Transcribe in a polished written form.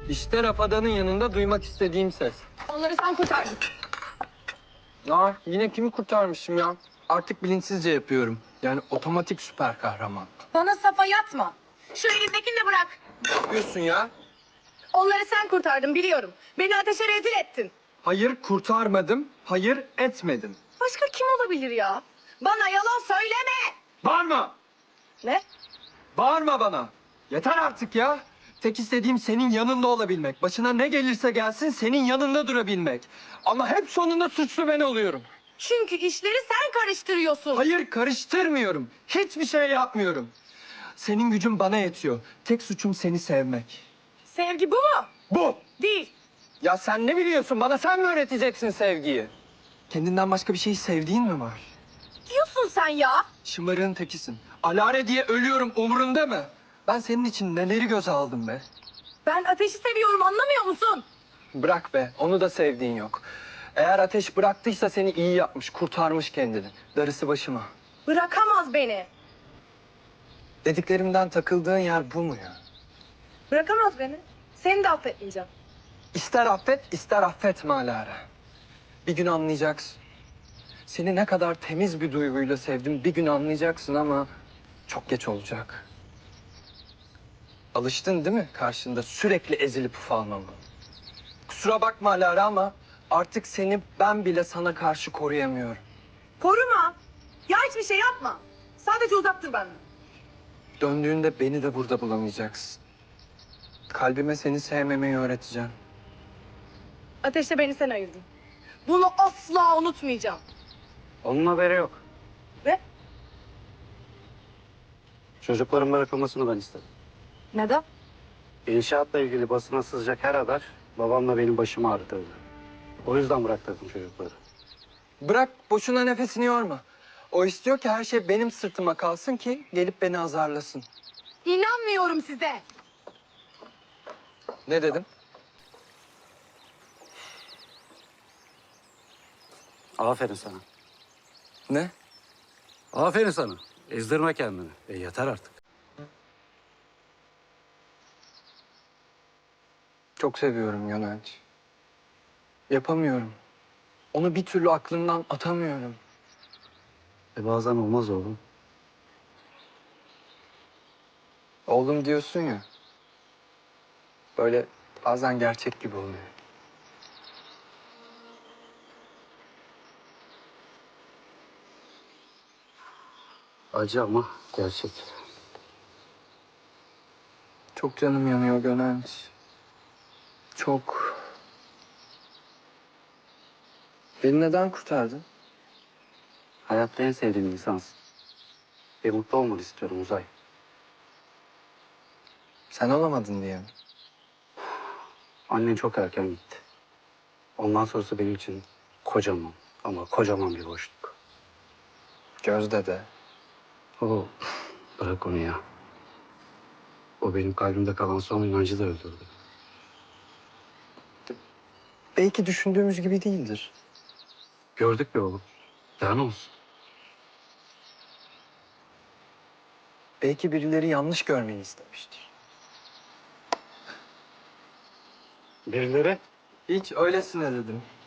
İşte Rafadan'ın yanında duymak istediğim ses. Onları sen kurtardın. Yine kimi kurtarmışım ya? Artık bilinçsizce yapıyorum. Yani otomatik süper kahraman. Bana safa yatma. Şu elindekini de bırak. Ne yapıyorsun ya? Onları sen kurtardın biliyorum. Beni ateşe rezil ettin. Hayır kurtarmadım, hayır etmedim. Başka kim olabilir ya? Bana yalan söyleme. Bağırma! Ne? Bağırma bana! Yeter artık ya! Tek istediğim senin yanında olabilmek. Başına ne gelirse gelsin senin yanında durabilmek. Ama hep sonunda suçlu ben oluyorum. Çünkü işleri sen karıştırıyorsun. Hayır karıştırmıyorum. Hiçbir şey yapmıyorum. Senin gücün bana yetiyor. Tek suçum seni sevmek. Sevgi bu mu? Bu! Değil. Ya sen ne biliyorsun? Bana sen mi öğreteceksin sevgiyi? Kendinden başka bir şey sevdiğin mi var? Diyorsun sen ya. Şımarığın tekisin. Alare diye ölüyorum umurunda mı? Ben senin için neleri göze aldım be? Ben ateşi seviyorum anlamıyor musun? Bırak be, onu da sevdiğin yok. Eğer ateş bıraktıysa seni iyi yapmış, kurtarmış kendini. Darısı başıma. Bırakamaz beni. Dediklerimden takıldığın yer bu mu ya? Bırakamaz beni. Seni de affetmeyeceğim. İster affet, ister affetme Alara. Bir gün anlayacaksın. Seni ne kadar temiz bir duyguyla sevdim bir gün anlayacaksın ama çok geç olacak. Alıştın değil mi karşında sürekli ezilip ufalmama? Kusura bakma Alara ama artık seni ben bile sana karşı koruyamıyorum. Koruma. Ya hiçbir şey yapma. Sadece uzak dur benden. Döndüğünde beni de burada bulamayacaksın. Kalbime seni sevmemeyi öğreteceğim. Ateşle beni sen ayırdın. Bunu asla unutmayacağım. Onun haberi yok. Ve Çocukların bırakılmasını ben istedim. neden? İnşaatla ilgili basına sızacak her haber babamla benim başımı ağrıtırdı. O yüzden bıraktırdım çocukları. Bırak boşuna nefesini yorma. O istiyor ki her şey benim sırtıma kalsın ki gelip beni azarlasın. İnanmıyorum size. Ne dedim? Aferin sana. Ne? Aferin sana. Ezdirme kendini. Yeter artık. Çok seviyorum Yönelç. Yapamıyorum. Onu bir türlü aklımdan atamıyorum. Bazen olmaz oğlum. Oğlum diyorsun ya. Böyle bazen gerçek gibi oluyor. Acı ama gerçek. Çok canım yanıyor Gönenç. Çok. Beni neden kurtardın? Hayatta en sevdiğim insansın. Mutlu olmanı istiyorum Uzay. Sen olamadın diye mi? Annen çok erken gitti. Ondan sonrası benim için kocaman ama kocaman bir boşluk. Gözde de. Oo, bırak onu ya. O benim kalbimde kalan son inancı da öldürdü. Belki düşündüğümüz gibi değildir. Gördük be oğlum. Daha ne olsun? Belki birileri yanlış görmeni istemiştir. Birileri? Hiç öylesine dedim.